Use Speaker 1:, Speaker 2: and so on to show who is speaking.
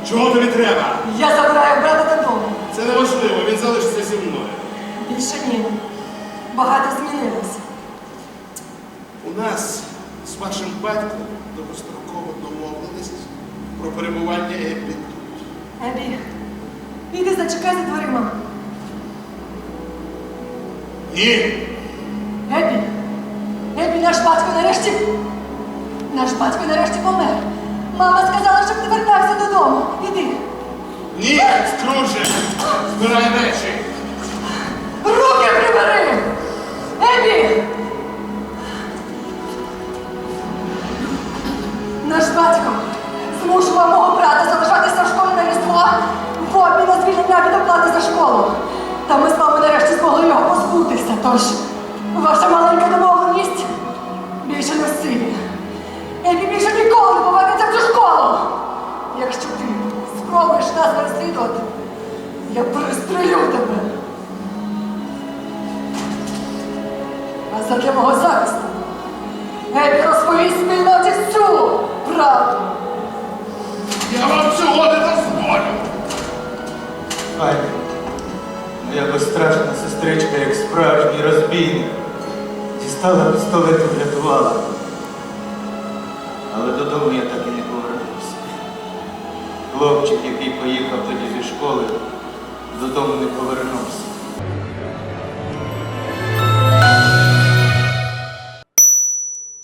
Speaker 1: Чого тобі треба?
Speaker 2: Я забираю брата додому.
Speaker 1: Це неважливо, він залишиться зі мною.
Speaker 2: Більше ні. Багато змінилося.
Speaker 1: У нас з вашим батьком довгостроково домовленість про перебування Еббі тут.
Speaker 2: Ебі, іди зачекай за дверима.
Speaker 1: Ні!
Speaker 2: Ебі, Ебі, наш батько нарешті помер. Мама сказала, щоб ти вертався додому. Іди.
Speaker 1: Ні, Скрудже! Збирай речі!
Speaker 2: Руки прибери! Ебі! Наш батько змушував мого брата залишатися в школі на Різдво в обмін на звільнення від оплати за школу. Та ми з вами нарешті змогли його позбутися. Тож, ваша маленька домовленість більше не в силі. Ебі більше ніколи не повернеться в цю школу. Якщо ти спробуєш нас переслідувати, я пристрелю тебе. А задля мого захисту Ебі розповість спільноті всю правду.
Speaker 1: Я вам цього не дозволю!
Speaker 3: Ай, моя безстрашна сестричка, як справжній розбійник, дістала пістолет і врятувала. Але додому я так і не повернувся. Хлопчик, який поїхав тоді зі школи, додому не повернувся.